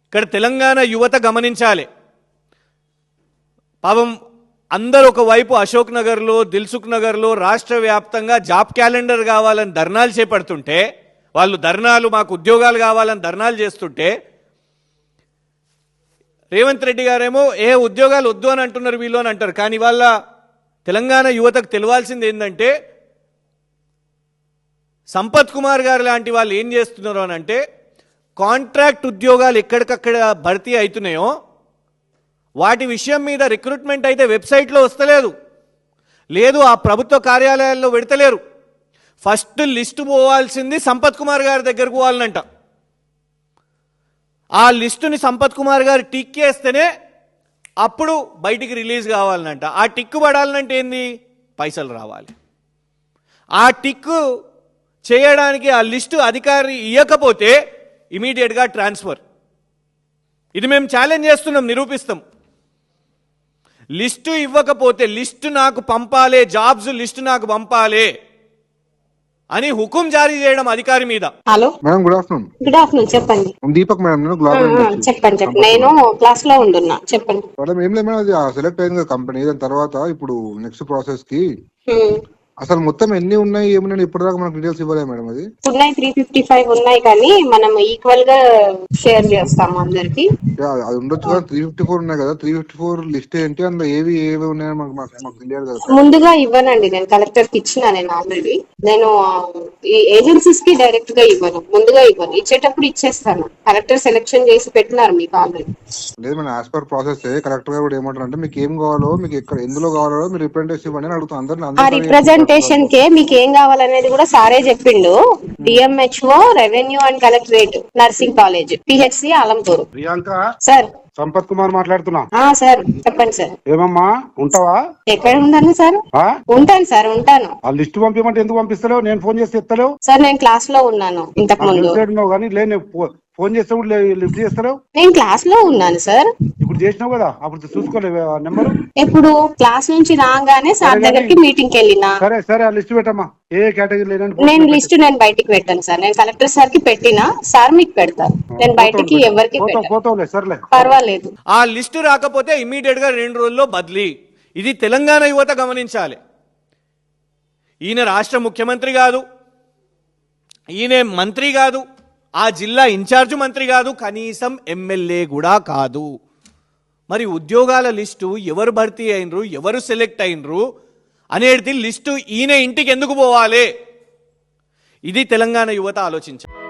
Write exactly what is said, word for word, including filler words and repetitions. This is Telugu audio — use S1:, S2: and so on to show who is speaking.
S1: ఇక్కడ తెలంగాణ యువత గమనించాలి. పాపం అందరూ ఒకవైపు అశోక్ నగర్లో, దిల్సుఖ్ నగర్లో రాష్ట్ర వ్యాప్తంగా జాబ్ క్యాలెండర్ కావాలని ధర్నాలు చేపడుతుంటే, వాళ్ళు ధర్నాలు మాకు ఉద్యోగాలు కావాలని ధర్నాలు చేస్తుంటే, రేవంత్ రెడ్డి గారేమో ఏ ఉద్యోగాలు వద్దు అని అంటున్నారు వీళ్ళు అని అంటారు. కానీ వాళ్ళ తెలంగాణ యువతకు తెలియాల్సింది ఏంటంటే, సంపత్ కుమార్ గారు లాంటి వాళ్ళు ఏం చేస్తున్నారు అని అంటే, కాంట్రాక్ట్ ఉద్యోగాలు ఎక్కడికక్కడ భర్తీ అవుతున్నాయో వాటి విషయం మీద రిక్రూట్మెంట్ అయితే వెబ్సైట్లో వస్తలేదు, లేదు ఆ ప్రభుత్వ కార్యాలయాల్లో పెడతలేరు. ఫస్ట్ లిస్టు పోవాల్సింది సంపత్ కుమార్ గారి దగ్గరకు పోవాలనంట. ఆ లిస్టుని సంపత్ కుమార్ గారు టిక్ చేస్తేనే అప్పుడు బయటికి రిలీజ్ కావాలనంట. ఆ టిక్కు పడాలంటే ఏంది? పైసలు రావాలి. ఆ టిక్కు చేయడానికి ఆ లిస్టు అధికారి ఇవ్వకపోతే ఇమీడియట్గా ట్రాన్స్ఫర్. ఇది మేము ఛాలెంజ్ చేస్తున్నాం, నిరూపిస్తాం. లిస్టు ఇవ్వకపోతే లిస్టు నాకు పంపాలే, జాబ్స్ లిస్టు నాకు పంపాలే అని హుకుం జారీ చేయడం అధికారి మీద.
S2: Hello
S3: madam, good afternoon.
S2: Good afternoon, చెప్పండి.
S3: దీపక్ మేడం, నేను గ్లోబల్ ఇండస్ట్రీ.
S2: చెప్పండి చెప్పండి నేను క్లాస్ లో ఉంటున్నా, చెప్పండి.
S3: మేడం ఏం లేదు మేడం, అది సెలెక్ట్ అయింది కదా కంపెనీ. దాని తర్వాత ఇప్పుడు నెక్స్ట్ ప్రాసెస్ కి
S2: హ్మ్.
S3: అసలు మొత్తం ఎన్ని ఉన్నాయి ఏమున్నాయి ఇప్పటిదాకా మనకు డీటెయిల్స్ ఇవ్వలేదు మేడం. అది
S2: ఉన్నాయి, త్రీ ఫిఫ్టీ ఫైవ్ ఉన్నాయి, కానీ మనం ఈక్వల్ గా షేర్ చేస్తాము అందరికి.
S3: యా, అది ఉండొచ్చు కదా. త్రీ ఫిఫ్టీ ఫోర్ ఉన్నాయి కదా, త్రీ ఫిఫ్టీ ఫోర్ లిస్ట్ ఏంటి, అందులో ఏవి ఏవి ఉన్నాయో మాకు మాకు మాకు తెలియదు కదా.
S2: ముందుగా ఇవ్వనండి, నేను కలెక్టర్ కి ఇచ్చిన. నేను ఆల్రెడీ నేను ఈ ఏజెన్సీస్ కి డైరెక్ట్ గా ఇవ్వను, ముందుగా ఇవ్వను. ఇచ్చేటప్పుడు ఇచ్చేస్తాను. కలెక్టర్ సెలెక్షన్ చేసి పెట్టినారు మీకు ఆల్రెడీ.
S3: లేదు madam, as per process correct గా కూడా ఏమంటారు అంటే, మీకు ఏం కావాలో, మీకు ఎక్కడ ఎందులో కావాలో మీరు రిప్రజెంటేషన్ ఇవ్వండి అని అడుగుతాం
S2: ఆ
S3: అందరినీ.
S2: రిప్రజెంటేషన్ కే మీకు ఏం కావాలనేది కూడా సారే చెప్పిండు. DMHO, revenue and collectorate, nursing college, PHC Alampur.
S4: Priyanka,
S2: sir.
S4: Sampath Kumar మాట్లాడుతున్నా.
S2: ఆ సార్ చెప్పండి సార్.
S4: ఏమమ్మా, ఉంటావా?
S2: ఎక్కడ ఉంటాను సార్?
S4: ఆ?
S2: ఉంటాను సార్, ఉంటాను.
S4: ఆ లిస్ట్ పంపించమంటే ఎందుకు పంపిస్తలేవు? నేను ఫోన్ చేస్తే ఎత్తలేవు.
S2: సార్ నేను క్లాస్ లో ఉన్నాను ఇంతకు ముందు.
S4: కానీ లేని ఫోన్ చేస్తే కూడా లిఫ్ట్ చేస్తలేవు.
S2: నేను క్లాస్ లో ఉన్నాను సార్.
S4: ఇప్పుడు చేసినావు కదా, అప్పుడు చూసుకోలేవు నెంబరు.
S2: ఇప్పుడు క్లాస్ నుంచి రాగానే సార్ దగ్గరికి మీటింగ్ కి వెళ్ళినా.
S4: సరే సరే, ఆ లిస్ట్ పెట్టమ్మా. ఏ కేటగిరీ లేదని.
S2: నేను లిస్ట్ నేను బయటికి పెట్టాను సార్. నేను కలెక్టర్ సార్ కి పెట్టినా, సార్ మీకు పెడతారు. నేను బయటికి ఎవరికి
S4: పోతావులే, సర్లే,
S2: పర్వాలేదు.
S1: ఆ లిస్టు రాకపోతే ఇమీడియట్ గా రెండు రోజుల్లో బదిలీ. ఇది తెలంగాణ యువత గమనించాలి. ఈయన రాష్ట్ర ముఖ్యమంత్రి కాదు, ఈయన మంత్రి కాదు, ఆ జిల్లా ఇన్ఛార్జ్ మంత్రి కాదు, కనీసం ఎమ్మెల్యే కూడా కాదు. మరి ఉద్యోగాల లిస్టు ఎవరు భర్తీ అయినరు, ఎవరు సెలెక్ట్ అయినరు అనేది లిస్టు ఈయన ఇంటికి ఎందుకు పోవాలి? ఇది తెలంగాణ యువత ఆలోచించాలి.